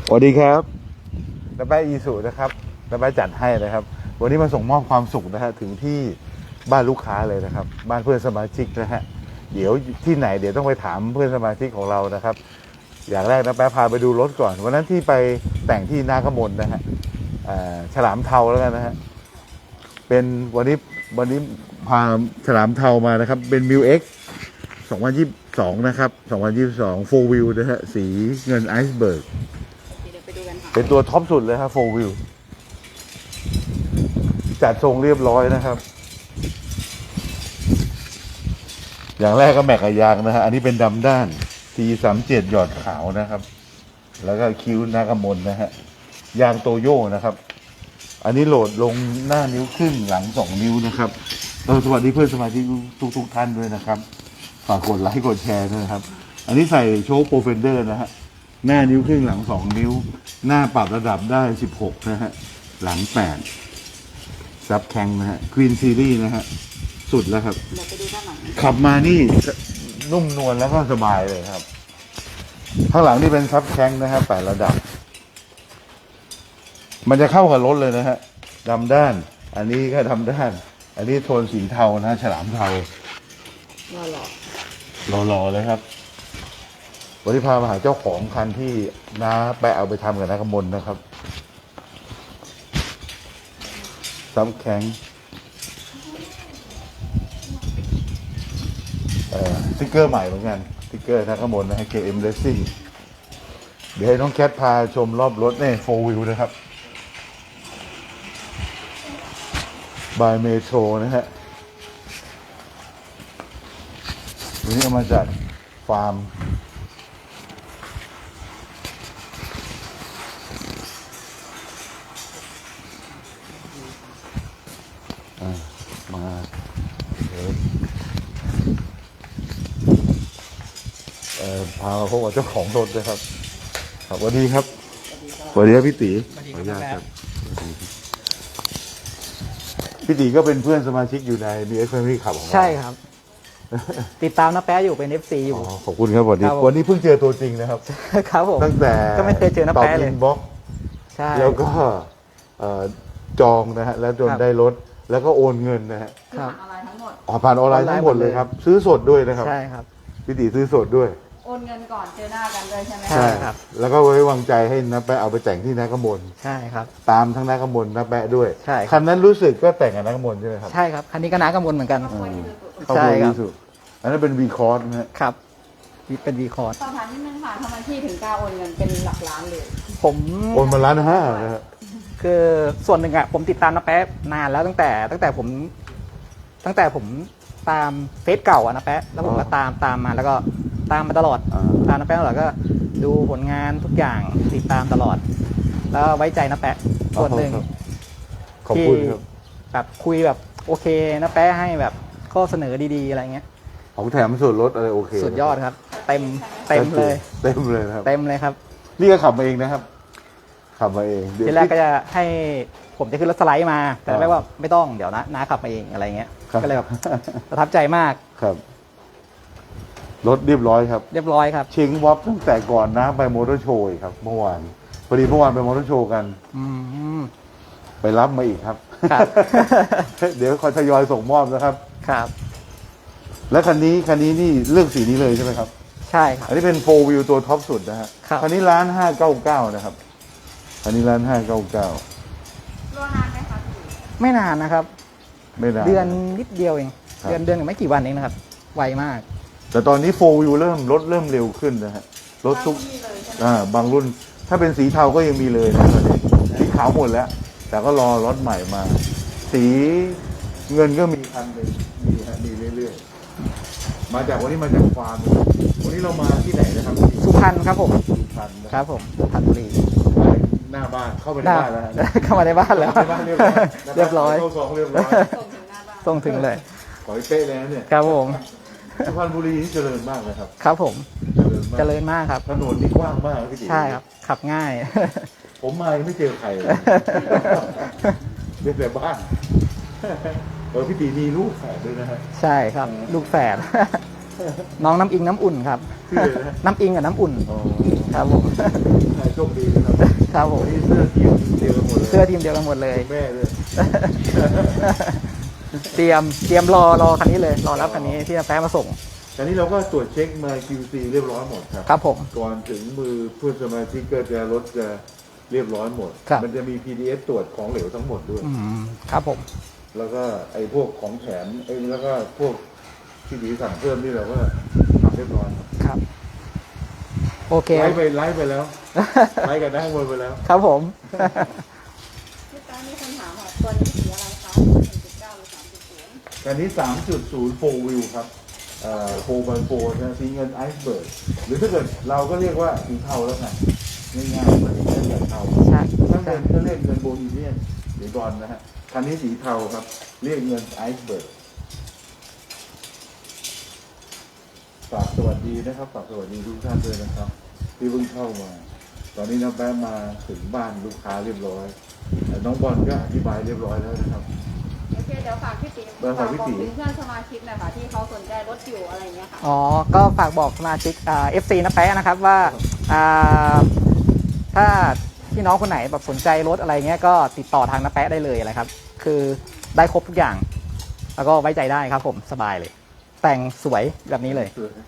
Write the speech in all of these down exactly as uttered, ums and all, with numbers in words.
สวัสดีครับน้าแป๊ะอีสุนะครับน้าแป๊ะจัดให้นะครับวันนี้มาส่งมอบความสุขนะฮะถึงที่บ้านลูกค้าเลยนะครับบ้านเพื่อนสมาชิกนะฮะเดี๋ยวที่ไหนเดี๋ยวต้องไปถามเพื่อนสมาชิกของเรานะครับอย่างแรกน้าแป๊ะพาไปดูรถก่อนวันนั้นที่ไปแต่งที่นากมลนะฮะฉลามเทาแล้วกันนะฮะเป็นวันนี้วันนี้พาฉลามเทามานะครับเป็น มิว เอ็กซ์ สองพันยี่สิบสองนะครับสองพันยี่สิบสอง โฟร์ Wheel นะฮะสีเงินไอซ์เบิร์กเป็นตัวท็อปสุดเลยครับ โฟร์ Wheel จัดทรงเรียบร้อยนะครับอย่างแรกก็แม็กกับยางนะฮะอันนี้เป็นดำด้าน ที สามสิบเจ็ด หยอดขาวนะครับแล้วก็คิ้วนากมลนะฮะยางโตโย่นะครับอันนี้โหลดลงหน้านิ้วครึ่งหลังสองนิ้วนะครับเออสวัสดีเพื่อนสมาชิกทุกทุกท่านด้วยนะครับฝากกดไลค์กดแชร์ด้วยนะครับอันนี้ใส่โชคโปรเฟนเดอร์นะฮะหน้านิ้วครึ่งหลังสองนิ้วหน้าปรับระดับได้สิบหกนะฮะหลังแปดซับแข็งนะฮะควีนซีรีส์นะฮะสุดแล้วครับขับมานี่นุ่มนวลแล้วก็สบายเลยครับข้างหลังนี่เป็นซับแข็งนะฮะแปดระดับมันจะเข้ากับรถเลยนะฮะดำด้านอันนี้ก็ดำด้านอันนี้โทนสีเทานะฉลามเทาหล่อหล่อๆเลยครับวันนี้พามาหาเจ้าของคันที่น้าไปเอาไปทำกับนักมลนะครับซ้ำแข็งเอ่อสติ๊กเกอร์ใหม่เหมือนกันสติ๊กเกอร์นักมลนะฮะ เค เอ็ม Racing เดี๋ยวให้น้องแคทพาชมรอบรถเนี่ย โฟร์ Wheel นะครับบายเมโทรนะฮะวันนี้เอามาจากฟาร์มมาเดี๋ยวเอ่อพามาพบกับเจ้าของรถเลยครับครับสวัสดีครับสวัสดีครับพี่ตีขออนุญาตครับพี่ตีก็เป็นเพื่อนสมาชิกอยู่ใน บี เอส Family Club ของเราใช่ครับ ติดตามน้าแป๊ะอยู่เป็น เอฟ ซี อยู่ขอบคุณครับวันนี้วันนี้เพิ่งเจอตัวจริงนะครับครับผมตั้งแต่ก็ไม่เคยเจอน้าแป๊ะเลยตอบอินบ็อกซ์ใช่แล้วก็จองนะฮะแล้วจนได้รถแล้วก็โอนเงินนะฮะผ่านออนไลน์ทั้งหมดอ๋อผ่านออนไลน์ทั้งหมดเลยครับซื้อสดด้วยนะครับใช่ครับพี่ตีซื้อสดด้วยโอนเงินก่อนเจอหน้ากันเลยใช่ไหมใช่ครับแล้วก็ไว้วางใจให้น้าแปะเอาไปแต่งที่นากมลใช่ครับตามทั้งนากมลน้าแปะด้วยใช่คันนั้นรู้สึกก็แต่งกับนากมลใช่ไหมครับใช่ครับคันนี้ก็น้ากำมลเหมือนกันเขาคุยที่สุดอันนั้นเป็น วี คอร์ส นะฮะครับเป็น วี คอร์สสอบถามนิดนึงค่ะทำไมพี่ถึงกล้าโอนเงินเป็นหลักล้านเลยผมโอนมาล้านห้านะฮะคือส่วนหนึ่งอะผมติดตามน้าแป๊ะนานแล้วตั้งแต่ตั้งแต่ผมตั้งแต่ผมตามเฟซเก่าอะน้าแป๊ะแล้วผมก็ตามตามมาแล้วก็ตามมาตลอดตามน้าแป๊ะตลอดก็ดูผลงานทุกอย่างติดตามตลอดแล้วไว้ใจน้าแป๊ะส่วนหนึ่งขอบคุณครับแบบคุยแบบโอเคน้าแป๊ะให้แบบข้อเสนอดีๆอะไรเงี้ยของแถมส่วนลดอะไรโอเคสุดยอดครับเต็มเต็มเลยเต็มเลยครับเต็มเลยครับนี่ก็ขับมาเองนะครับขับมาเองทีแรกก็จะให้ผมจะขึ้นรถสไลด์มาแต่ไม่ว่าไม่ต้องเดี๋ยวนะน้าขับมาเองอะไรเงี้ยก็เลยแบบประทับใจมากครับรถเรียบร้อยครับเรียบร้อยครับเชิงวอปตั้งแต่ก่อนนะไปมอเตอร์โชว์ครับเมื่อวานพอดีเมื่อวานไปมอเตอร์โชว์กันไปรับมาอีกครับเดี๋ยวคอยทยอยส่งมอบนะครับครับและคันนี้คันนี้นี่เลือกสีนี้เลยใช่ไหมครับใช่ครับอันนี้เป็น โฟร์ Wheel ตัวท็อปสุดนะฮะคันนี้ร้านห้าเก้าเก้านะครับคันนี้ร้านห้าเก้าเก้ารอนานไหมคะไม่นานนะครับไม่นานเดือนนิดเดียวเองเดือนเดือนไม่กี่วันเองนะครับไวมากแต่ตอนนี้ โฟร์ Wheel เริ่มรถเริ่มเร็วขึ้นนะฮะรถทุกอ่าบางรุ่นถ้าเป็นสีเทาก็ยังมีเลยนะตอนนี้สีขาวหมดแล้วแต่ก็รอรถใหม่มาสีเงินก็มีคันหนึ่งมีฮะมีเรื่อยๆมาจากวันนี้มาจากฟาร์มวันนี้เรามาที่ไหนนะครับสุพรรณครับผมสุพรรณครับผมสุพรรณบุรีหน้าบ้านเข้าไปในบ้านแล้วเข้ามาในบ้านแล้วเรียบร้อยส่งเรียบร้อยส่งถึงเลยขอให้เป๊ะเลยเนี่ยครับผมสุพรรณบุรีนี่เจริญมากเลยครับครับผมเจริญมากครับถนนนี่กว้างมากพี่ติ๋วใช่ครับขับง่ายผมมาไม่เจอใครเลยเรียบแต่บ้านเออพี่ตีมีลูกแฝดด้วยนะฮะใช่ครับลูกแฝดน้องน้ำอิงน้ำอุ่นครับชื่อเลยนะน้ำอิงกับน้ำอุ่นอ๋อครับผมโชคดีนะครับครับผมวันนี้เสื้อทีมเดียวกันหมดเลยเสื้อทีมเดียวกันหมดเลยคุณแม่เลยเตรียมเตรียมรอรอคันนี้เลยรอรับคันนี้ที่น้าแป๊ะมาส่งตอนนี้เราก็ตรวจเช็คมา คิว ซี เรียบร้อยหมดครับครับผมก่อนถึงมือเพื่อนสมาชิกก็จะรถจะเรียบร้อยหมดครับมันจะมี พี ดี เอส ตรวจของเหลวทั้งหมดด้วยอืมครับผมแล้วก็ไอ้พวกของแถมไอ้แล้วก็พวกที่ดีสั่งเพิ่มนี่เราก็ทำเรียบร้อยครับ โอเคไลฟ์ไปไลฟ์ไปแล้ว ไลฟ์กันได้หมดไปแล้วครับผมพี่แป๊ะมีคนถามค่ะตัวนี้สีอะไรคะหนึ่งจุดเก้าหรือสามจุดศูนย์การนี้ สามจุดศูนย์ โฟร์ wheel ครับเอ่อ โฟร์ บาย โฟร์ นะสีเงินไอซ์เบิร์ดหรือถ้าเกิดเราก็เรียกว่าสีเทาแล้วไงง่ายๆมันสีเงินแบบเทาใช่ถ้าเงินก็เรียกเงินโบนีเนียนหรือบอลนะฮะคันนี้สีเทาครับ เรียกเงินไอซ์เบิร์ดฝากสวัสดีนะครับฝากสวัสดีทุกท่านด้วยนะครับ ที่เพิ่งเข้ามา ตอนนี้น้องแป๊ะมาถึงบ้านลูกค้าเรียบร้อยแต่น้องบอลก็อธิบายเรียบร้อยแล้วนะครับโอเคเดี๋ยวฝากพี่ตีเบอร์ของพี่ตีบอกถึงเพื่อนสมาชิกหน่อยค่ะที่เขาสนใจรถอยู่อะไรเงี้ยค่ะอ๋อ ก็ฝากบอกสมาชิกอ่า เอฟ ซี น้าแป๊ะนะครับว่าอ่าถ้าพี่น้องคนไหนแบบสนใจรถอะไรเงี้ยก็ติดต่อทางน้าแป๊ะได้เลยอะไรครับ คือได้ครบทุกอย่าง แล้วก็ไว้ใจได้ครับผมสบายเลย แต่งสวยแบบนี้เลย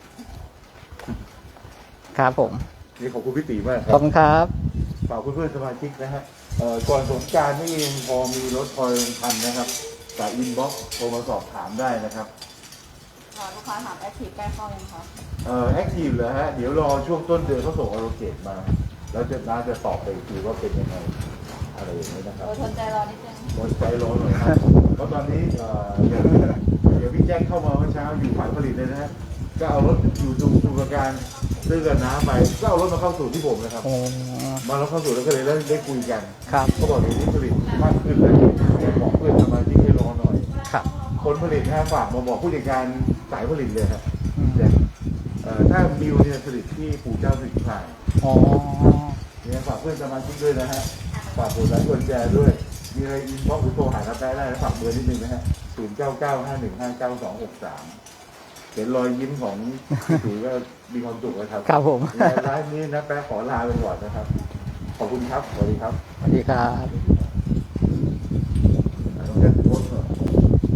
ครับผมนี่ขอบคุณพี่ตีมากคขรัอบบ คุณครับฝากเพื่อนๆสมาชิกนะฮะเอ่อก่อนสงกรารนี่เองพอมีรถคอยลงทันนะครับจากอินบ็อกซ์โทรมาสอบถามได้นะครับค่ะลูกค้าถามแอคทีฟใกล้เข้ายังคะเอ่อแอคทีฟเหรอฮะ เดี๋ยวรอช่วงต้นเดือนเขาส่งอโลเกตมา แล้วจะน่าจะตอบไปอีกทีว่าเป็นยังไงอะไรอย่างนี้นะครับโดยทนใจรอนิดนึงอดใจรอหน่อยครับเพราะตอนนี้เอ่อเดี๋ยวเดี๋ยวพี่แจ้งเข้ามาเมื่อเช้าอยู่ฝ่ายผลิตเลยนะฮะก็เอารถอยู่ดูดูประการซื้อกันน้ำไปก็เอารถมาเข้าสู่ที่ผมนะครับโอ้มาแล้วเข้าสู่แล้วก็เลยได้ได้คุยกันครับเขาบอกเดี๋ยวนี้ผลิตมากขึ้นเลยบอกเพื่อนสมาชิกให้รอหน่อยครับคนผลิตนะฮะฝากมาบอกผู้จัดการสายผลิตเลยครับอืมแต่เอ่อถ้ามิวเนี่ยผลิตที่ปู่เจ้าสิงห์พายอ๋อเนี่ยฝากเพื่อนสมาชิกด้วยนะฮะฝากผู้ใช้กดแชร์ด้วย มีอะไรอินบ็อกซ์หรือโทรหารับได้ได้นะฝากเบอร์นิดนึงนะฮะศูนย์เก้าเก้าห้าหนึ่งห้าเก้าสองหกสามเห็นรอยยิ้มของพี่ถือก็มีความสุขแล้วครับครับผมในไลฟ์นี้นะแป๊ะขอลาไปก่อนนะครับ ขอบคุณครับสวัสดีครับสวัสดีครับ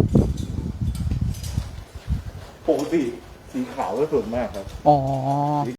ปกติสีขาวก็ส่วนมากครับอ๋อ